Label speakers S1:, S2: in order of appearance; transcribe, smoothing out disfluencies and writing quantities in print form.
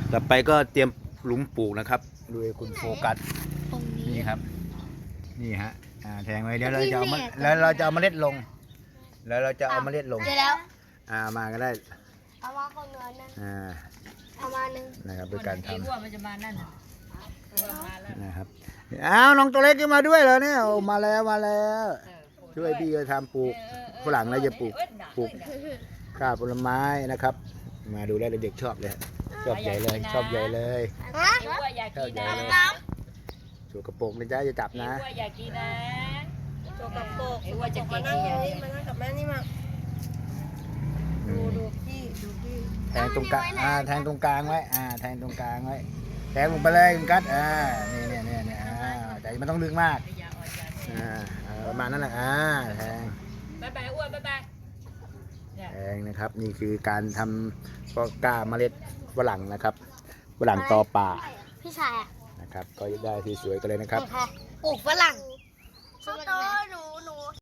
S1: ต่อไปก็เตรียมหลุมปลูกนะครับโดยคุณโฟกัส
S2: ตรงนี้
S1: นี่ครับนี่ฮะแทงไว้เดี๋ยวเราจะเอามาแล้วเราจะเอาเมล็ดลง แล้วเราจะเอาเมล็ดลง
S2: เจอแล้ว
S1: มาก็ได้
S2: เอามาคนเงินนะ เอามาหนึ่ง
S1: นะครับด้วยการท
S3: ไอ้อ้วนมันจะมานั่นน่ะอ้วนมาแล้ว
S1: ำนะครับอ้าวน้องตัวเล็กขึ้นมาด้วยเหรอเนี่ยโอ้มาแล้วมาแล้ว ช่วยพี่ก็ทำปลูกฝรั่งแล้วจะปลูกข้าวผลไม้นะครับ มาดูแลวเด็กๆชอบเลยชอบใหญ่เลยชอบใหญ่เลย
S2: ฮะ
S3: ไอ้อ้วนอยากกินนะ
S2: น้
S1: สกปรกนะจ๊ะจะจับ
S3: ไอ้
S1: นะ
S3: อ้วนอยากกินนะ
S4: โจกับโปก
S3: ไอ้อ้วนจะกิ
S4: มาน นั่
S3: ไอ้
S4: ง
S3: อ้วน
S4: นี่มานั่งกับแม่นี่มาดูพี่ดูพี่
S1: แทงตรงกลางแทงตรงกลางไว้แทงตรงกลางไว้แทงลงไปเลยคุณกัดนี่แต่มันต้องลึกมาก
S3: ไม่อยากอ่อนใจ
S1: ประมาณนั้นแหละแทง
S3: บ๊ายบายอ้วนบ๊ายบายเนี่ย
S1: แทงนะครับ นี่คือการทำก็กล้าเมล็ดฝรั่งนะครับฝรั่งตอป่า
S2: ำพี่ชายอ่ะ
S1: นะครับ ก็ได้ที่สวยกันเลยนะครับ
S2: ปลูกฝรั่งโตหนู